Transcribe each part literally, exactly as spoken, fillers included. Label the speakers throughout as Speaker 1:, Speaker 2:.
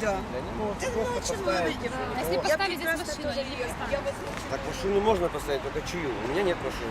Speaker 1: Да.
Speaker 2: Они могут просто поставить.
Speaker 3: А если поставить здесь машину, или не поставить?
Speaker 2: Так машину можно поставить, только чью? У меня нет машины.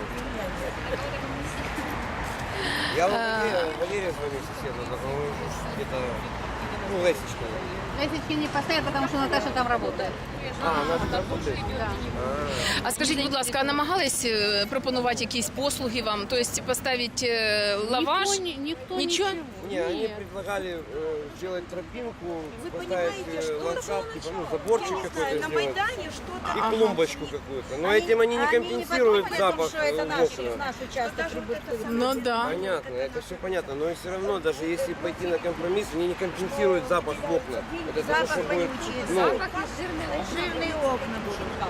Speaker 2: Я Валерия, Валерия звоню соседу, он где-то, ну, Лесечка.
Speaker 4: Лесечки не поставят, потому что Наташа там работает.
Speaker 2: А, она же работает?
Speaker 4: Да.
Speaker 3: А скажіть, будь ласка, а намагались е, пропонувати якісь послуги вам? Тобто поставити е, лаваш?
Speaker 4: Никто, не- никто
Speaker 3: Ничего?
Speaker 4: ничего.
Speaker 2: Не, они
Speaker 4: Нет.
Speaker 2: предлагали э, сделать тропинку,
Speaker 1: Вы
Speaker 2: поставить
Speaker 1: понимаете,
Speaker 2: э,
Speaker 1: что
Speaker 2: ландшафт,
Speaker 1: должно
Speaker 2: типа, ну,
Speaker 1: начать?
Speaker 2: заборчик
Speaker 1: Я не
Speaker 2: какой-то
Speaker 1: знаю, на
Speaker 2: сделать.
Speaker 1: Майдане что-то.
Speaker 2: И клумбочку какую-то. Но
Speaker 1: Они-
Speaker 2: этим они не
Speaker 1: они
Speaker 2: компенсируют
Speaker 1: подумали о том,
Speaker 2: запах
Speaker 1: что это
Speaker 2: э, в
Speaker 1: наш,
Speaker 2: окна.
Speaker 1: наш участок прибытковый.
Speaker 3: Ну да.
Speaker 2: Понятно, это все понятно, но все равно, даже если пойти на компромисс, они не компенсируют запах в окна. Это того,
Speaker 1: Запах
Speaker 2: что будет,
Speaker 1: вонючий,
Speaker 2: ну,
Speaker 1: запах жирные окна будут там.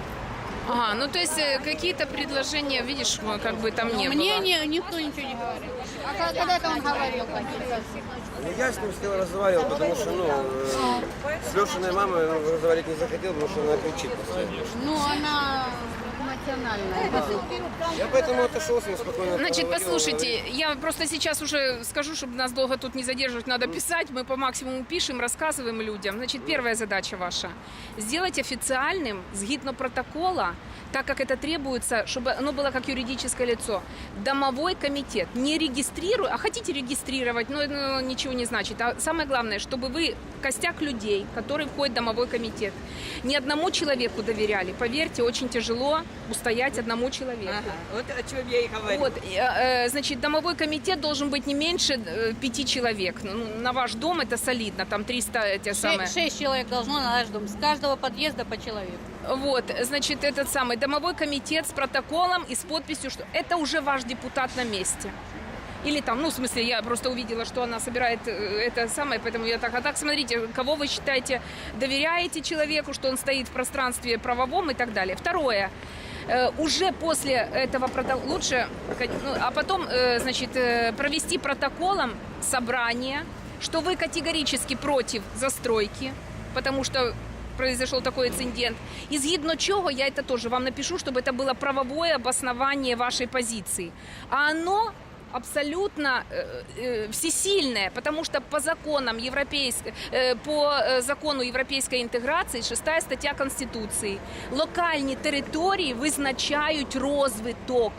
Speaker 3: Ага, ну то есть э, какие-то предложения, видишь, ну, как бы там не
Speaker 4: Мне
Speaker 3: было.
Speaker 4: не- никто ничего не говорит. А ко- когда это он говорил?
Speaker 2: ну, я с ним с ним разговаривал, потому что, ну, э, с Лешиной мамой ну, разговаривать не захотел, потому что она кричит постоянно.
Speaker 4: Ну, она эмоциональная.
Speaker 2: Я поэтому отошел с ним спокойно.
Speaker 3: Значит,
Speaker 2: поговорил,
Speaker 3: послушайте,
Speaker 2: говорит,
Speaker 3: я просто сейчас уже скажу, чтобы нас долго тут не задерживать, надо писать. Мы по максимуму пишем, рассказываем людям. Значит, первая задача ваша – сделать официальным, згідно протокола, так как это требуется, чтобы оно было как юридическое лицо. Домовой комитет не регистрирует, а хотите регистрировать, но это ничего не значит. А самое главное, чтобы вы костяк людей, которые входят в домовой комитет, ни одному человеку доверяли. Поверьте, очень тяжело устоять одному человеку.
Speaker 1: Ага, вот о чем я и говорю.
Speaker 3: Вот, э, э, значит, домовой комитет должен быть не меньше э, пяти человек. Ну, на ваш дом это солидно, там триста те самые.
Speaker 4: Шесть, шесть человек должно на наш дом. С каждого подъезда по человеку.
Speaker 3: Вот, значит, этот самый домовой комитет с протоколом и с подписью, что это уже ваш депутат на месте. Или там, ну, в смысле, я просто увидела, что она собирает э, это самое, поэтому я так, а так, смотрите, кого вы считаете, доверяете человеку, что он стоит в пространстве правовом и так далее. Второе. Э, Уже после этого протокола лучше, ну, а потом, э, значит, э, провести протоколом собрание, что вы категорически против застройки, потому что произошел такой инцидент. И згідно чего, я это тоже вам напишу, чтобы это было правовое обоснование вашей позиции. А оно абсолютно э, э, всесильное, потому что по законам европейской, э, по э, закону європейської інтеграції, шестая стаття Конституції, локальні території визначають розвиток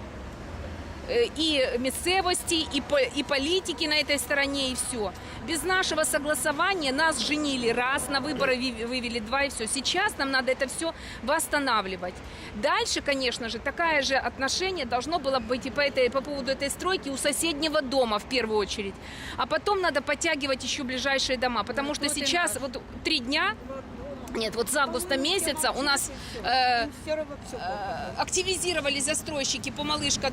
Speaker 3: э, и місцевости, и, по, и политики на этой стороне, и все. Без нашего согласования нас женили раз, на выборы ви- вывели два, и все. Сейчас нам надо это все восстанавливать. Дальше, конечно же, такое же отношение должно было быть и по, этой, по поводу этой стройки у соседнего дома в первую очередь. А потом надо подтягивать еще ближайшие дома, потому что сейчас вот три дня, нет, вот с августа месяца у нас э,
Speaker 1: Все равно все.
Speaker 3: э, активизировались застройщики по Малышка,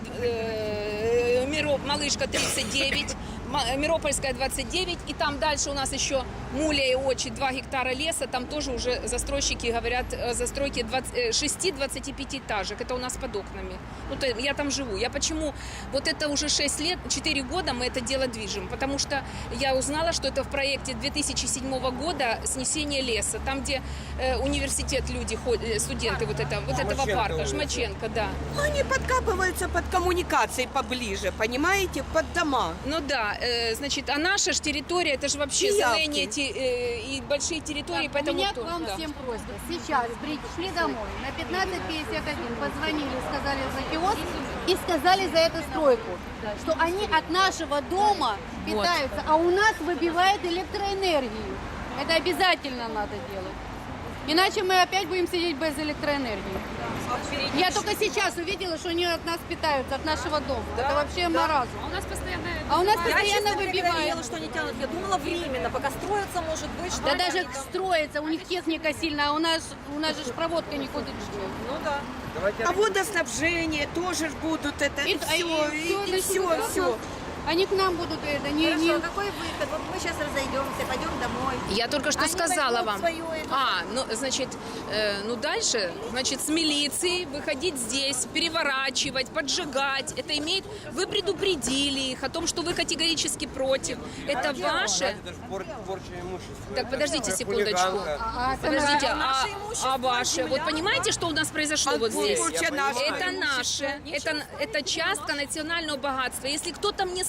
Speaker 3: э, Миро- Малышка тридцать девять, Ма- Миропольская двадцать девять, и там дальше у нас еще Муля и Очи, два гектара леса, там тоже уже застройщики говорят о застройке шести-двадцати пятиэтажек, это у нас под окнами. Ну, то я там живу. Я почему, вот это уже шесть лет, четыре года мы это дело движем, потому что я узнала, что это в проекте две тысячи седьмого года снесение леса, там, где э, университет люди, ходят, студенты вот, это, вот этого
Speaker 2: Жмаченко
Speaker 3: парка,
Speaker 2: улица.
Speaker 3: Жмаченко, да.
Speaker 1: Ну, они подкапываются под коммуникации поближе, понимаете, под дома.
Speaker 3: Ну да, э, значит, а наша ж территория, это же вообще
Speaker 1: Пиявки.
Speaker 3: зелень эти, э, и большие территории,
Speaker 4: Так,
Speaker 3: поэтому...
Speaker 4: у меня
Speaker 3: кто-
Speaker 4: к вам
Speaker 3: да.
Speaker 4: всем просьба. Сейчас пришли домой, на пятнадцать пятьдесят один позвонили, сказали за киоск и сказали за эту стройку, что они от нашего дома питаются, а у нас выбивает электроэнергию. Это обязательно надо делать. Иначе мы опять будем сидеть без электроэнергии. Я только сейчас увидела, что они от нас питаются, от нашего дома. Это вообще маразм.
Speaker 3: У нас постоянно...
Speaker 4: А у нас
Speaker 5: Я,
Speaker 4: постоянно
Speaker 5: честно говоря,
Speaker 4: выбивает.
Speaker 5: верила, что они тянут. Я думала временно, пока строятся, может быть, что
Speaker 4: Да
Speaker 5: они
Speaker 4: даже
Speaker 5: там-
Speaker 4: строится, у них техника сильная, а у нас, у нас же ж проводка никуда.
Speaker 5: Ну да.
Speaker 2: Давайте
Speaker 1: А водоснабжение тоже ж будут это, и,
Speaker 4: И-
Speaker 1: все,
Speaker 4: и-
Speaker 1: и,
Speaker 4: всё,
Speaker 1: и
Speaker 4: да,
Speaker 1: все,
Speaker 4: да,
Speaker 1: все.
Speaker 4: Они к нам будут это, не,
Speaker 5: Хорошо,
Speaker 4: не...
Speaker 5: а какой выход? Вот мы сейчас разойдемся, пойдем домой.
Speaker 3: Я только что
Speaker 5: Они
Speaker 3: сказала
Speaker 5: возьмут
Speaker 3: вам.
Speaker 5: свою эту-
Speaker 3: А, ну, значит, э, ну дальше, значит, с милицией выходить здесь, переворачивать, поджигать. Это имеет... Вы предупредили их о том, что вы категорически против. Это ваше...
Speaker 2: Это же пор- порча имущества.
Speaker 3: Так,
Speaker 2: Это
Speaker 3: подождите
Speaker 2: же
Speaker 3: секундочку.
Speaker 2: хулиганка.
Speaker 4: А,
Speaker 3: Подождите,
Speaker 5: Это
Speaker 3: а,
Speaker 5: наше имущество,
Speaker 3: а ваше?
Speaker 5: земля.
Speaker 3: Вот понимаете, что у нас произошло
Speaker 1: А
Speaker 3: вот здесь?
Speaker 1: порча
Speaker 2: Я
Speaker 1: наша.
Speaker 3: Это
Speaker 1: имущество.
Speaker 3: наше, это, это частка национального богатства. Если кто-то мне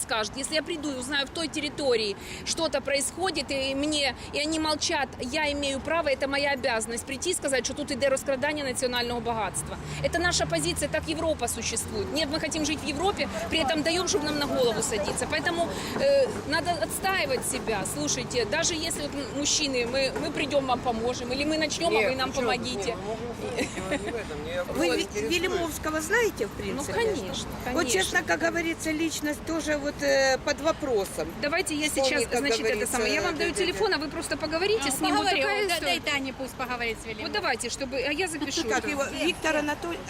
Speaker 3: скажут. Если я приду и узнаю в той территории что-то происходит, и мне, и они молчат, я имею право, это моя обязанность прийти и сказать, что тут иде розкрадання национального богатства. Это наша позиция, так Европа существует. Нет, мы хотим жить в Европе, при этом даем, чтобы нам на голову садиться. Поэтому э, надо отстаивать себя. Слушайте, даже если вот мужчины, мы, мы придем, вам поможем, или мы начнем, а вы нам
Speaker 2: ну чё,
Speaker 3: помогите.
Speaker 2: не, мы можем не в этом, не
Speaker 1: Вы
Speaker 2: вот
Speaker 1: Ви-
Speaker 2: интересует.
Speaker 1: Велимовского знаете, в
Speaker 3: Ну,
Speaker 1: принципе?
Speaker 3: конечно,
Speaker 1: Вот
Speaker 3: конечно.
Speaker 1: честно, как говорится, личность тоже вот э, под вопросом.
Speaker 3: Давайте я
Speaker 1: Вспомни,
Speaker 3: сейчас,
Speaker 1: как
Speaker 3: значит, это
Speaker 1: говорится,
Speaker 3: самое. Я вам даю
Speaker 1: дядя-
Speaker 3: телефон, а вы просто поговорите с ним. Вот
Speaker 4: Поговори,
Speaker 3: такая
Speaker 4: да-
Speaker 3: история.
Speaker 4: дай Тане пусть поговорит с Велимовым.
Speaker 3: Вот давайте, чтобы, а я запишу.
Speaker 1: Как
Speaker 3: это.
Speaker 1: его? Виктор Анатольевич?